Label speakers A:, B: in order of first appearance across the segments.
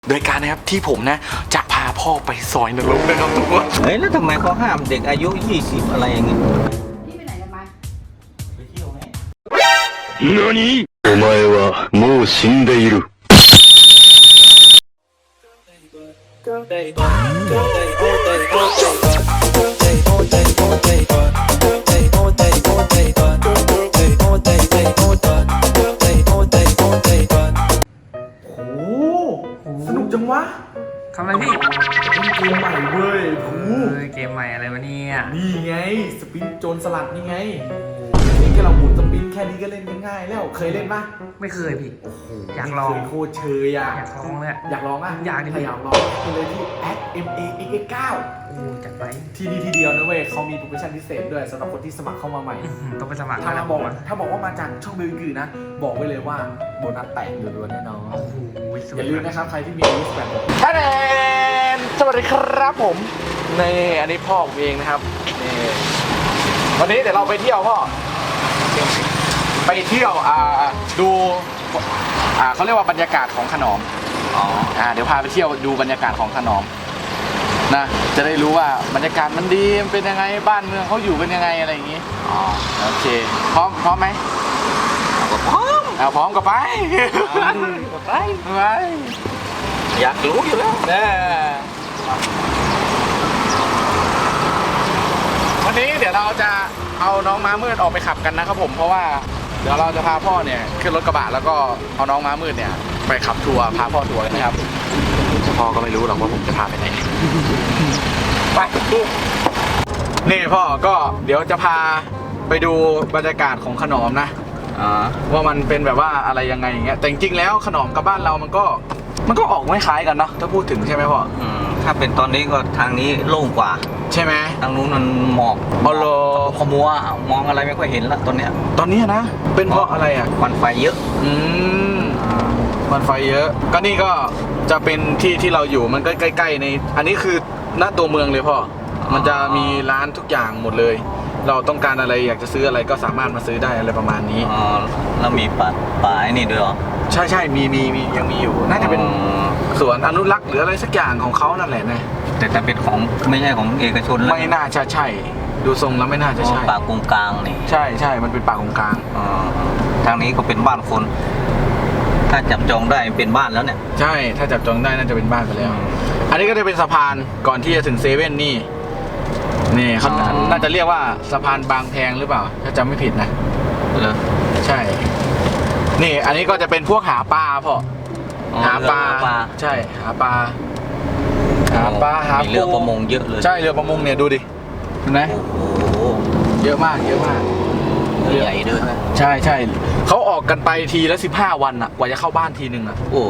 A: โดยการนะครับที่ผมนะจะพาพ่อไปซอยนรกนะครับทุกคน
B: เฮ้ยแล้วทำไมเขาห้ามเด็กอายุ20อะไรอย่างงี้
C: พี่ไปไหนกันมา
B: ไปเที่ยวไหม
D: 何お前はもう死んでいる
A: สนุกจังวะ
E: ทำอะไรพี่
A: เล่นเกมใหม่เว้ย
E: เกมใหม่อะไรวะเนี่ย
A: นี่ไงสปินโจรสลัดนี่ไงนี่แค่เราหมุนสปินแค่นี้ก็เล่นง่ายแล้วเคยเล่นปะ
E: ไม่เคยพี่อยากลอง
A: โคตรเชยอ่ะ
E: อยากลองเลย
A: อยากลองอ่ะ
E: อยากดิ
A: ถ้าอยากลองไปเลยที่ @MAXX9
E: จัดไป
A: ที่นี่ที่เดียวนะเว้ยเขามีโปรโมชั่นพิเศษด้วยสำหรับคนที่สมัครเข้ามาใหม่
E: ต้องไปสมัคร
A: ถ้าบอกว่ามาจากช่องอื่นนะบอกไว้เลยว่าโบนัสแตกล้วนๆแน่นอนอย่าลืมนะครับใครที่มีอายุ18ท่านสวัสดีครับผมนี่อันนี้พ่อผมเองนะครับนี่วันนี้เดี๋ยวเราไปเที่ยวพ่อไปเที่ยวดูเขาเรียกว่าบรรยากาศของขนอมเดี๋ยวพาไปเที่ยวดูบรรยากาศของขนอมนะจะได้รู้ว่าบรรยากาศมันดีมันเป็นยังไงบ้านเมืองเขาอยู่เป็นยังไงอะไรอย่างงี้โอเคพร้อมไหมพร้อมก็ไปไป
B: อยากรู้อยู่แล้ว
A: วันนี้เดี๋ยวเราจะเอาน้องม้ามืดออกไปขับกันนะครับผมเพราะว่าเดี๋ยวเราจะพาพ่อเนี่ยขึ้นรถกระบะแล้วก็เอาน้องม้ามืดเนี่ยไปขับทัวร์พาพ่อทัวร์กันนะครับพ่อก็ไม่รู้หรอกว่าผมจะพาไปไหนไปนี่พ่อก็เดี๋ยวจะพาไปดูบรรยากาศของขนอมนะว่ามันเป็นแบบว่าอะไรยังไงอย่างเงี้ยแต่จริงๆแล้วขนอมกับบ้านเรามันก็ออกไม่คล้ายกันเนาะถ้าพูดถึงใช่ไหมพ่อ
B: ถ้าเป็นตอนนี้ก็ทางนี้โล่งกว่า
A: ใช่ไหม
B: ทางนู้นมันหมอกขมัวมองอะไรไม่ค่อยเห็นละตอนนี้
A: นะเป็นเพราะอะไรอ่ะ
B: ควันไฟเยอะ
A: ควันไฟเยอะก็นี่ก็จะเป็นที่เราอยู่มันก็ใกล้ๆในอันนี้คือหน้าตัวเมืองเลยพ่อมันจะมีร้านทุกอย่างหมดเลยเราต้องการอะไรอยากจะซื้ออะไรก็สามารถมาซื้อได้อะไรประมาณนี้
B: แล้วมีป่าไอ้นี่ด้วยเหรอ
A: ใช่มียังมีอยู่น่าจะเป็นสวนอนุรักษ์หรืออะไรสักอย่างของเขานั่นแหละนะ
B: แต่ถ้าเป็นของไม่ใช่ของเอกชนแล้ว
A: ไม่น่าจะใช่ดูทรงแล้วไม่น่าจะใช่
B: ป่ากงกลางนี่
A: ใช่มันเป็นป่ากงกลาง
B: ทางนี้ก็เป็นบ้านคนถ้าจับจองได้เป็นบ้านแล้วเนี่ย
A: ใช่ถ้าจับจองได้น่าจะเป็นบ้านไปแล้วอันนี้ก็จะเป็นสะพานก่อนที่จะถึงเซเว่นนี่เขาน่าจะเรียกว่าสะพานบางแพงหรือเปล่าถ้าจำไม่ผิดนะใช่นี่อันนี้ก็จะเป็นพวกหาปลาพ่อหาปลาใช่หาปลาหา
B: เรือประมงเยอะเลย
A: ใช่เรือประมงเนี่ยดูดิเห็นไหมเยอะมาก
B: ใหญ่ด้วย
A: ใช่เขาออกกันไปทีละ15 วันอ่ะกว่าจะเข้าบ้านทีนึงอ่ะ
B: โอ้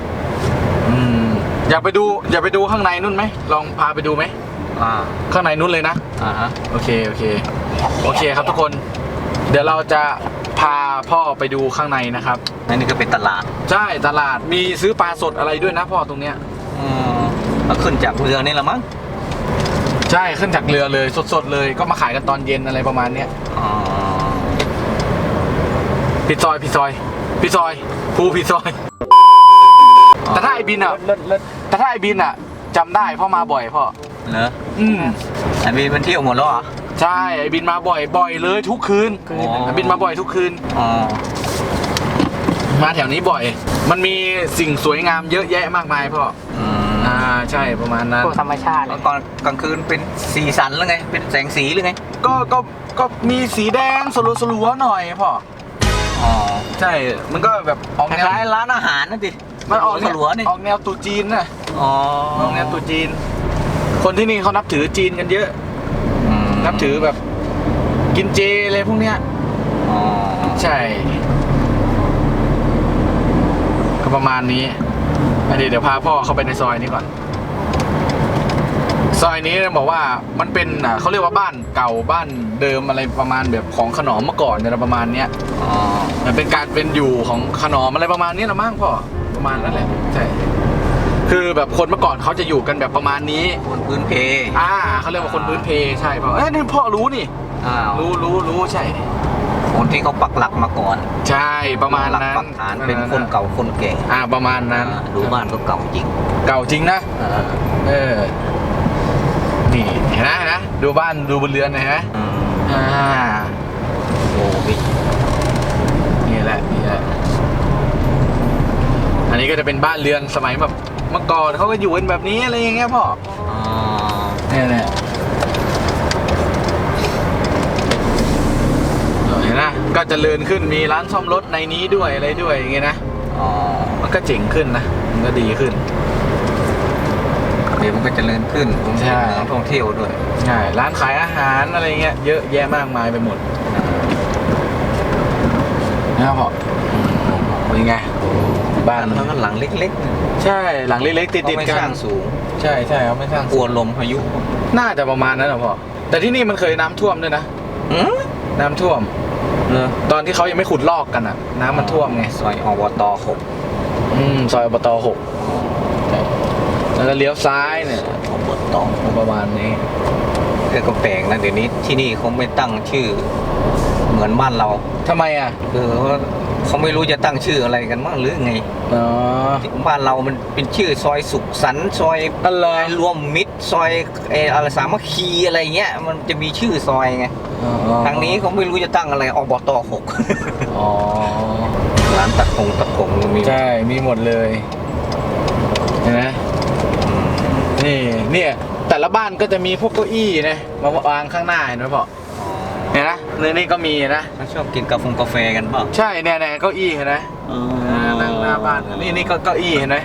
A: อยากไปดูข้างในนู่นไหมลองพาไปดูไหมข้างในนู้นเลยนะโอเคครับทุกคนเดี๋ยวเราจะพาพ่อไปดูข้างในนะครับ
B: นี่ก็เป็นตลาด
A: ใช่ตลาดมีซื้อปลาสดอะไรด้วยนะพ่อตรงเนี้ย
B: แล้วขึ้นจากเรือนี่ละมั้ง
A: ใช่ขึ้นจากเรือเลยสดเลยก็มาขายกันตอนเย็นอะไรประมาณเนี้ยผิดซอยภูผิดซอยแต่ถ้าไอบินอ่ะจำได้พ่อมาบ่อยพ่อ
B: เหรอไอบินมันเที่ยวหมดแล้วเหรอ
A: ใช่ไอบินมาบ่อยเลยทุกคืนไอบินมาบ่อยทุกคืนมาแถวนี้บ่อยมันมีสิ่งสวยงามเยอะแยะมากมายพ่อใช่ประมาณนั้น
E: ธรรมชาติ
B: ตอนกลางคืนเป็นสีสันหรือไงเป็นแสงสีหรือไง
A: ก็มีสีแดงสลัวๆหน่อยพ่อใช่มันก็แบบ
B: ออกแนวร้านอาหารนั่นดิ
A: มันออกแนวตุ๊จีนนะออกแนวตุ๊จีนคนที่นี่เขานับถือจีนกันเยอะนับถือแบบกินเจอะไรพวกเนี้ยใช่ก็ประมาณนี้เดี๋ยวพาพ่อเข้าไปในซอยนี้ก่อนซอยนี้บอกว่ามันเป็นเขาเรียกว่าบ้านเก่าบ้านเดิมอะไรประมาณแบบของขนอมเมื่อก่อนเนี่ยประมาณเนี้ยมันเป็นการเป็นอยู่ของขนอมอะไรประมาณนี้ละมั้งพ่อประมาณนั้นแหละใช่คือแบบคนเมื่อก่อนเขาจะอยู่กันแบบประมาณนี้
B: คนพื้นเพ
A: เขาเรียกว่าคนพื้นเพใช่ป่ะนี่พ่อรู้นี่รู้ใช่
B: คนที่เขาปักหลักมาก่อน
A: ใช่ประมาณ
B: หลัก
A: นั้น
B: ปักฐานเป็นคนเก่าคนแก่
A: ประมาณนั้น
B: ดูบ้านก็เก่าจริง
A: เก่าจริงนะนี่เห็นนะดูบ้านดูบนเรือนนะฮะ
B: โอ้พี่
A: นี่แหละอันนี้ก็จะเป็นบ้านเรือนสมัยแบบเมื่อก่อนเขาก็อยู่กันแบบนี้อะไรอย่างเงี้ยพ่อเนี่ยเห็นนะก็เจริญขึ้นมีร้านซ่อมรถในนี้ด้วยอะไรด้วยอย่างเงี้ยนะมันก็เจ๋งขึ้นนะมันก็ดีขึ้น
B: เดี๋ยวมันก็เจริญขึ้นผม
A: ใช่
B: เมืองท่องเที่ยวด้วย
A: ใช่ร้านขายอาหารอะไรเงี้ยเยอะแยะมากมายไปหมดนะครับพ่อเป็นไงบ้าน
B: มันก็หลังเล็ก
A: ใช่หลังเล็กๆติด
B: ๆ
A: ๆ
B: ไม่
A: กั
B: สร้าน งสูง
A: ใช่เขาไม่สร้าง
B: กลัวลมพายุ
A: น่าจะประมาณนั้นนะพ่อแต่ที่นี่มันเคยน้ำท่วมด้วยนะน้ำท่วมตอนที่เขายังไม่ขุดลอกกันอ่ะน้ำมันท่วมไง
B: ซอยอบต6
A: ซอยอบต6แล้วก็เลี้ยวซ้ายเนี่ย
B: อบต
A: ประมาณนี้
B: ก็แปลกนะเดี๋ยวนี้ที่นี่เขาไม่ตั้งชื่อเหมือนบ้านเรา
A: ทำไมอ่ะ
B: เขาไม่รู้จะตั้งชื่ออะไรกันมั้งหรือไงบ้านเรามันเป็นชื่อซอยสุขสันต์ซอยอะไรรวมมิตรซอยอะไรสามัคคีอะไรเงี้ยมันจะมีชื่อซอยไงทางนี้เขาไม่รู้จะตั้งอะไรอบต6ร้านตะกงมี
A: ใช่มีหมดเลยเห็นไหมเนี่ยแต่ละบ้านก็จะมีพวกเก้าอี้นะมาวางข้างหน้าเห็นไหมพ่อเนี่ยนะนี่ก็มีนะ
B: ชอบกินกาแฟกันเปล่า
A: ใช่เนี่ยเก้าอี้เห็นไหมนั่งหน้าบ้านนี่ก็เก้าอี้เห็นไหม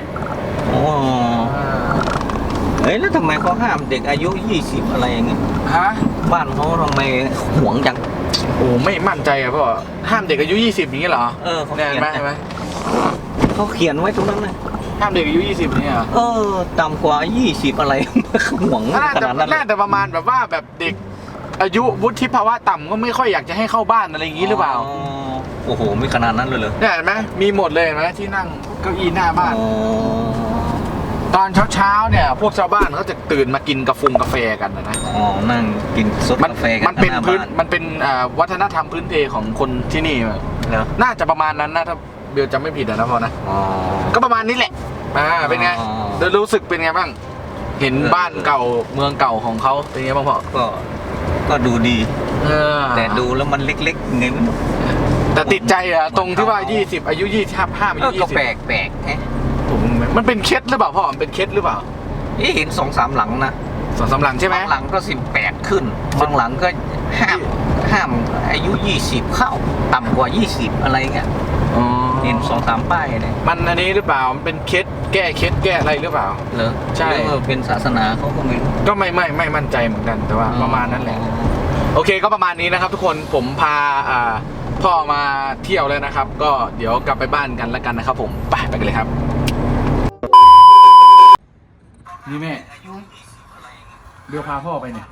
B: เฮ้ยแล้วทำไมเขาห้ามเด็กอายุ20อะไรอย่างเงี้ยบ้านเขาทำไมหวงจัง
A: ไม่มั่นใจอะพ่อห้ามเด็กอายุ20อย่างนี้เหรอ
B: เขาเขียน
A: ไหม
B: เขาเขียนไว้ตรงนั้นเลย
A: ห้ามเด็กอายุ20นี่เหรอ
B: ต่ำกว่า20อะไรหวงขนาดนั้น
A: น่าจะประมาณแบบว่าแบบเด็กอายุวุฒิภาวะต่ำก็ไม่ค่อยอยากจะให้เข้าบ้านอะไรอย่างนี้หรือเปล่า
B: โอ้โหไม่ขนาดนั้นเลยเหรอ
A: เนี่ยเห็นไหมมีหมดเลยเห็นไหมที่นั่งเก้าอี้หน้าบ้านตอนเช้าเนี่ยพวกชาวบ้านเขาจะตื่นมากินกาแฟกันนะ
B: นั่งกินซดกาแฟกัน
A: มันเป็นวัฒนธรรมพื้นเพของคนที่นี่น่าจะประมาณนั้นนะถ้าเบลจำไม่ผิดนะพ่อนะก็ประมาณนี้แหละเป็นไงรู้สึกเป็นไงบ้างเห็นบ้านเก่าเมืองเก่าของเขาเป็นไงบ้างพ่อ
B: ก็ดูดีแต่ดูแล้วมันเล็กๆไงไม่รู้
A: แต่ติดใจอะตรงที่ว่า20อายุ25อายุ20
B: ก็แปลก
A: มันเป็นเคล็ดหรือเปล่าพ่อมันเป็นเคล็ดหรือเปล่า
B: เห็น2-3 หลังนะ
A: 2-3 หลังใช่ไหม
B: บางหลังก็18ขึ้นบางหลังก็ห้ามอายุ20เข้าต่ำกว่า20อะไรเงี้ยเห็น2-3 ป้ายเนี่ย
A: มันอันนี้หรือเปล่ามันเป็นเคล็ดแก้เคล็ดแก้อะไรหรือเปล่า
B: เหรอใช่เป็นศาสนาเขาก็ไม่รู้
A: ก็ไม่มั่นใจเหมือนกันแต่ว่าประมาณนั้นแหละโอเคก็ประมาณนี้นะครับทุกคนผมพาพ่อมาเที่ยวแล้วนะครับก็เดี๋ยวกลับไปบ้านกันแล้วกันนะครับผมไปกันเลยครับนี่แม่เดี๋ยวพาพ่อไปเนี่ย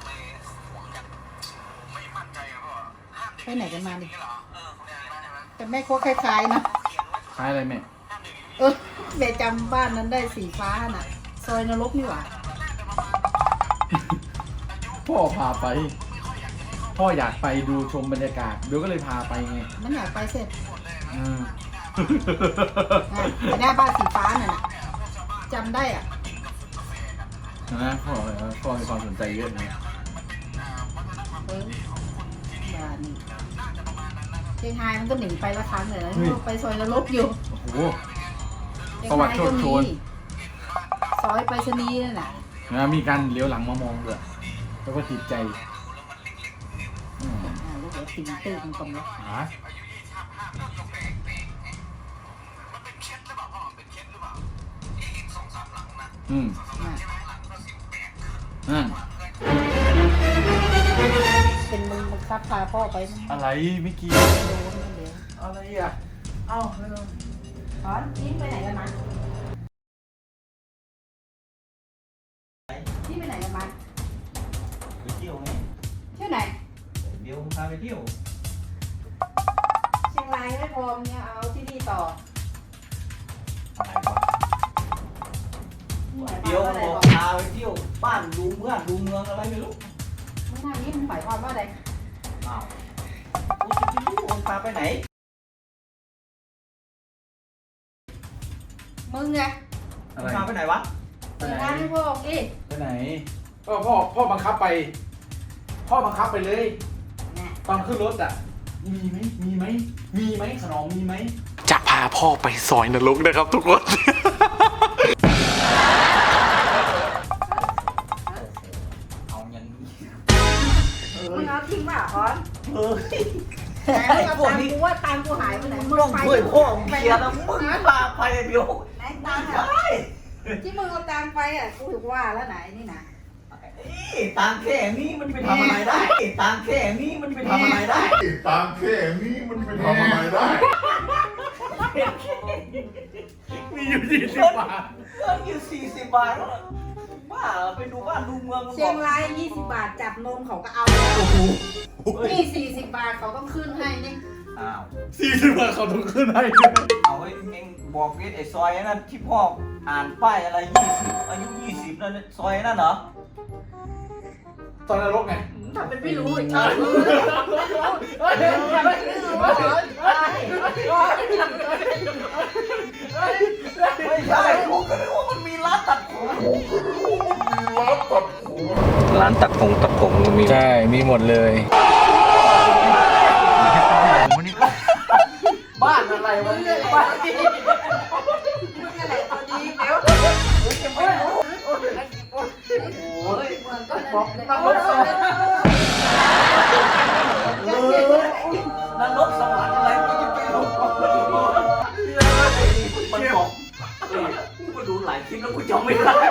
C: ไปไหนกันมาดิแต่แม่ก็คล้ายๆนะ
A: คล้ายอะไรแม่
C: แม่จำบ้านนั้นได้สีฟ้าน่ะซอยนรกนี่หว่า
A: พ่อพาไปพ่ออยากไปดูชมบรรยากาศเดี๋ยวก็เลยพาไปไง
C: มันอยากไปเสร็จไปหน้าบ้านสีฟ้าน่ะจำได้อ่ะ
A: นะพ่อมีความสนใจเยอะนะ
C: บ้านนี่เชียงรายมันก็หนีไปละครั้งเลยนะไปซอยนรกอยู่
A: โอ้โหประวัติโชดโชน
C: ซอยไปชนีนั่นแหละ
A: มีการเลี้ยวหลังมามองด้วยแล้วก็ติดใจ
C: ลูกเดี๋ยวติ่งตื้อมันตรงนี้เป็นมึงบังคับพาพ่อไป
A: อะไรไม่กี่อะไรอ่ะเอ้า
C: ถอนทิ้งไปไหนกันมาที่ไปไหนกันมา
B: ไปเที่ยวไง
C: เที่ยวไหน
B: เดี๋ยวพาไปเที่ยว
C: เชียงรายไม่พอเนี่ยเอาที่นี่ต่อ
B: เดี๋ยวบอกพาไปเที่ยวบ้านดูเมืองอะไรไม่รู้
C: เมื่อทางนี้มันหมายความว่าอะไร
B: อ้าวพาไปไหน
C: มึงไง
A: อะไร
B: พาไปไหนวะ
C: เปิดร้านให้พ่อดิ
A: ไปไหนพ่อบังคับไป พ่อบังคับไปเลย
C: เนี่ย
A: ตอนขึ้นรถอ่ะ มีไหมขนมมีไหมจะพาพ่อไปซอยนรกนะครับทุกคน
B: เอาอย่างนี้
C: มึงเอาทิ้งป่ะคอน
B: เฮ้ย
C: แต่มึงเอาตังค์กูว่าตังค์กูหายไปไหน
B: มึงต้องช่วยพ่อมึงเคลียร์นะมึงพาไปเดี๋ยว
C: ไหนตังค์อ่ะที่มึงเอาตังค์ไปอ่ะกูถึงว่าแล้วไหนนี่นะ
B: ตังแค่นี้มันไปทำอะไรได้ตังแค่นี้มันไปทำอะไรได้
D: ตามแค่นี้มันไปทำอะไรได้
A: มีอยู่20 บาท
B: เงินอยู่40 บาทบ้าไปดูบ้านดูเมือง
C: เชียงราย20 บาทจับนมเขาก็เอาแล้วนี่40 บาทเขาต้องขึ้นให้นี่
B: อ้าว
A: 40 บาทเขาต้องขึ้นให้
B: เอาไอ้เองบอกเวทไอ้ซอยนั่นที่พ่ออ่านป้ายอะไร20อายุ20นั่นซอยนั่นเหรอ
A: ตอนนรกไง
C: ทำเป็นไม่รู้อีก
B: ไม่ใช่กูก็นึกว่ามันมีร้านตัดผมร้านตัดผมก็มี
A: ใช่ มีหมดเลย บ้านอะไรวะเนี่ยบ้าน
C: มึงอะไรตัวดีเดี๋ยว
B: โอ้ย
C: เหมือนก็
A: บอก
C: เลย
A: นรกสวรรค์
B: นรกสวรรค์อะไรกูจะไปรู้มันบอกกูก็ดูหลายคลิปแล้วกูจำไม่ได้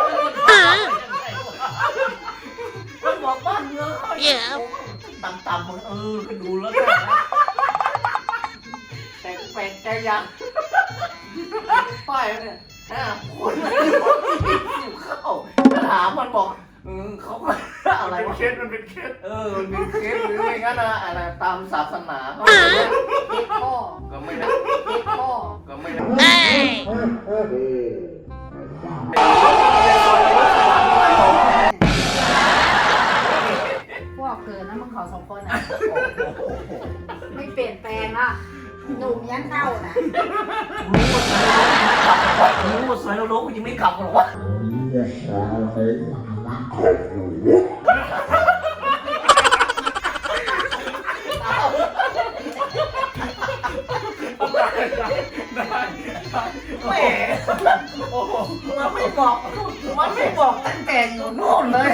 B: มันบอกบ้านเมืองเขาต่ำๆมันก็ดูแล้วแต่แปลกใจยังป้ายเนี่ยคนอยู่เข้าถามมันบอกเขาอะไรวะ
A: เคสมันเป็นเคส
B: มันเป็นเคสหรือไม่งั้นนะอะไรตามศาสนาเขา
C: เด็กพ่อ
B: ก็ไม่ได้
C: เด็กพ่อ
B: ก็ไม่ได้
C: พวกเกินนะมึงขอสองคนอ่ะไม่เปลี่ยนแปลงอ่ะหนุ่มยันเท่านะ
B: รู้ว่าสวยแล้วรู้กูยังไม่ขับหรอกวะแหมมันไม่บอกตั้งแต่อยู่โน่นเลย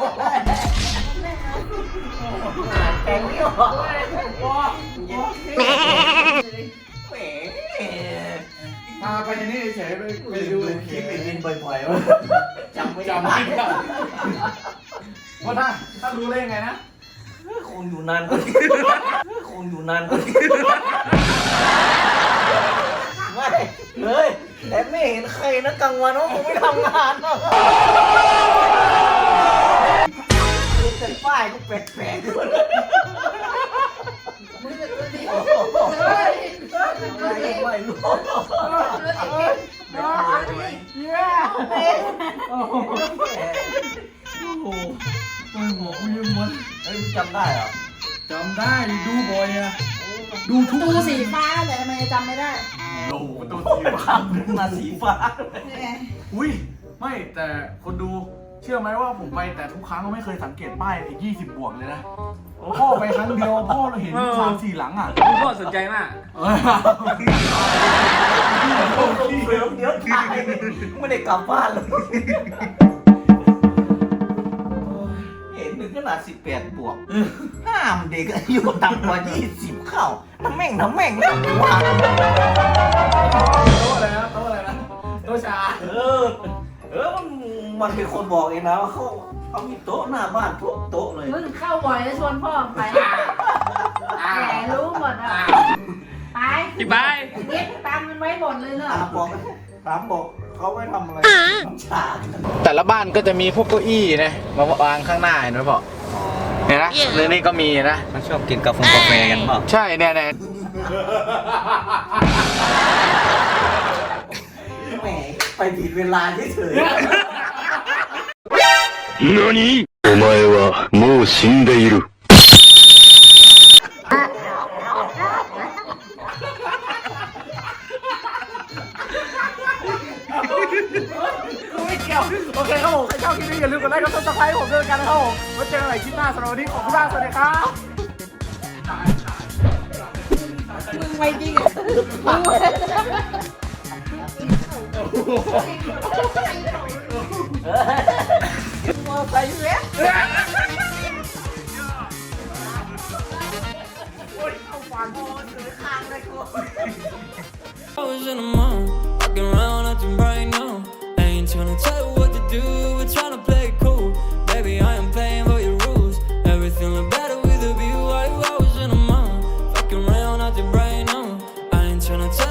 B: แกงไม่ออกแหม
A: พาไปนี่เฉยไปดู
B: คลิปบินบ่อยๆวะจำไม่
A: จำ
B: ได้
A: ไม่ได้ว่าถ้ารู้ได้ยังไงนะ
B: คงอยู่นานก็คงอยู่นานก็ไม่เฮ้ยแต่ไม่เห็นใครนะกลางวันว่าคงไม่ทำงานหรอกแต่ป้ายก็แปลกๆด้วย
C: มึงจะตัวดี
B: ไม่รู้
A: ไม่บอกไม่ยังมัน
B: เฮ้ยมึงจำได้เหรอ
A: จำได้ดูบ่อยอะดูทุก
C: ตูสีฟ้าแต่ทำไมจำไม่ได้
A: โอ้โหตัวสีฟ้า
B: มาสีฟ้า
A: อุ้ยไม่แต่คนดูเชื่อไหมว่าผมไปแต่ทุกครั้งก็ไม่เคยสังเกตป้ายไอ้20 บวกเลยนะพ่อไปครั้งเดียวพ่อเราเห็น3-4 หลังอ่ะ
E: พ่อสนใจมาก
B: เดี๋ยวถ่ายไม่ได้กลับบ้านเลยเห็นถึงขนาด18 บวกห้ามเด็กอายุต่ำกว่า20เข้าทำแม่งแล้วว่า
A: โต๊ะอะไรนะโต๊ะอะไรนะโต๊ะชา
B: มันเป็นคนบอกเองนะว่าเขามีโต๊ะหน้าบ้านทุกโต๊ะเลย
C: มึงเข้าบ่อยแล้วชวนพ่อไปแหมรู้หมดอ่ะไป
E: พี่บาย
C: เก็บตังค์มันไว้หมดเลยเนอะ
B: ถามบอกเขาไม่ทำอะไรฉาก
A: แต่ละบ้านก็จะมีพวกเก้าอี้นะมาวางข้างหน้าเห็นไหมพ่อเห็นนะเรื่องนี้ก็มีนะ
B: มันชอบกินกาแฟกันเปล่า
A: ใช่เนี่ย
B: แหมไปผิดเวลาเฉย
D: 何お前はもう死んでいる。
A: กี่ยวโอเคครับผมใครชอบคลิปนี้อย่าลืมกดไลค์กดซับสไครต์ผมด้วยกันนะครับผมไว้เจอกันใหม่คลิปหน้าสำหรับวันนี้ขอบคุณมากสวัสดีครับ
C: มึงไม่จริงอ่ะมอไซค์เว้ย
F: I was in the mall, walking around acting right now. I ain't tryna tell you what